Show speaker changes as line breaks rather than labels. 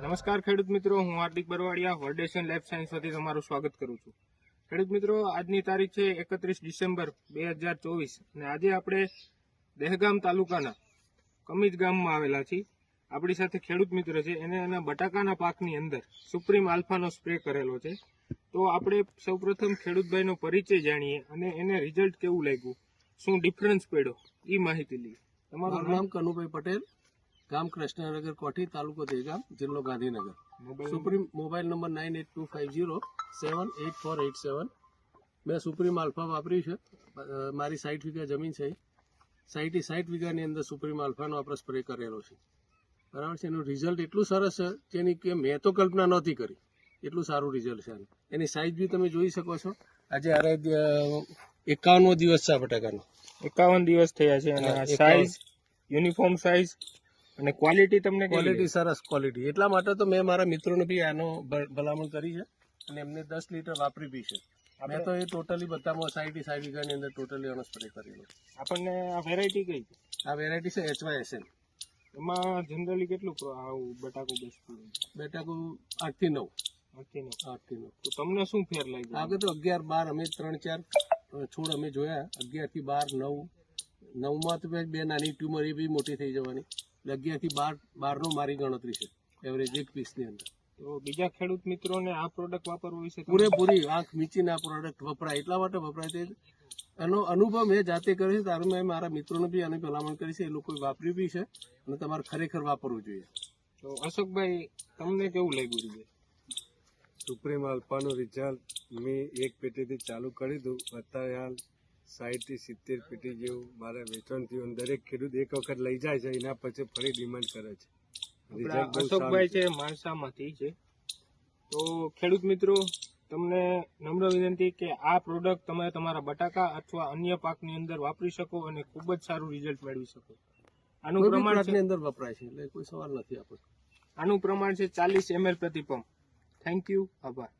નમસ્કાર ખેડૂત મિત્રો, હું હાર્દિક બરવાડિયા વર્ડેશન લાઈફ સાયન્સ વતી તમારું સ્વાગત કરું છું। ખેડૂત મિત્રો, આજની તારીખ છે 31 ડિસેમ્બર 2024 અને આજે આપણે દહેગામ તાલુકાના કમીજ ગામમાં આવેલા છીએ। આપણી સાથે ખેડૂત મિત્ર છે, એને એના બટાકાના પાકની અંદર સુપ્રીમ આલ્ફાનો સ્પ્રે કરેલો છે। તો આપણે સૌપ્રથમ ખેડૂતભાઈનો પરિચય જાણીએ અને એને રિઝલ્ટ કેવું લાગ્યું, શું ડિફરન્સ પડ્યો એ માહિતી લઈએ।
તમારું નામ કનુભાઈ પટેલ, ગામ કૃષ્ણનગર કોઠી, તાલુકો દહેગામ, જિલ્લો ગાંધીનગર। Supreme mobile number 9825078487। મેં સુપ્રીમ આલ્ફા વાપર્યું છે। મારી 60 વીઘા જમીન છે, 60 વીઘાની અંદર સુપ્રીમ આલ્ફાનો આપણે સ્પ્રે કરેલો છે, બરાબર છે। એનું રિઝલ્ટ એટલું સરસ છે જેની કે મેં તો કલ્પના નહોતી કરી, એટલું સારું રિઝલ્ટ છે। એની સાઇઝ બી તમે જોઈ શકો છો। આજે 51મો દિવસ છે આ બટાકાનો,
51 દિવસ થયા છે અને સાઇઝ યુનિફોર્મ સાઇઝ અને ક્વોલિટી તમને
ક્વોલિટી સરસ ક્વોલિટી। એટલા માટે તો મેં મારા મિત્રોને બી આનો ભલામણ કરી છે અને એમને 10 લીટર વાપરી બી છે। મેં તો એ ટોટલી બધામાં 60 વીઘાની અંદર ટોટલી આનો સ્પ્રે કરેલો।
આપણને આ વેરાયટી કઈ છે?
આ વેરાયટી છે HYSN।
એમાં જનરલી કેટલું આવું બટાકું બેસતું?
બટાકું 8 થી 9।
તો તમને શું ફેર લાગ્યો?
આગળ તો 11, 12 અમે 3-4 છોડ અમે જોયા, 11 થી 12, 9માં તો બે નાની ટ્યુમર એ બી મોટી થઈ જવાની, 11 થી 12 મારી ગણતરી છે એવરેજ એક પીસની અંદર।
તો બીજા ખેડૂત મિત્રોને આ પ્રોડક્ટ વાપરવું વિશે
પૂરેપૂરી આંખ મીચીને આ પ્રોડક્ટ વપરાય, એટલા માટે વપરાય છે। એનો અનુભવ મેં જાતે કર્યો છે, તારું મેં મારા મિત્રોને બી આની ભલામણ કરી છે, એ લોકોએ વાપર્યું બી છે અને તમારે ખરેખર વાપરવું જોઈએ।
તો અશોકભાઈ, તમને કેવું લાગ્યું છે?
સુપ્રીમ આલ્ફાનું રિઝલ્ટ મેં એક પેટીથી ચાલુ કરી દઉં, અત્યારે હાલ 60 થી 70 પેટી જેવું મારે વેચાણ થયું। દરેક ખેડૂત એક વખત લઈ જાય છે, એના પછી ફરી ડિમાન્ડ કરે છે।
અશોકભાઈ છે માણસામાંથી છે। તો ખેડૂત મિત્રો, તમને નમ્ર વિનંતી કે આ પ્રોડક્ટ તમે તમારા બટાકા અથવા અન્ય પાકની અંદર વાપરી શકો અને ખૂબ જ સારું રિઝલ્ટ મેળવી શકો। આનું પ્રમાણ
અંદર વપરાય છે એટલે કોઈ સવાલ નથી આપણે।
આનું પ્રમાણ છે 40 ml પ્રતિ પંપ। થેન્ક યુ, આભાર।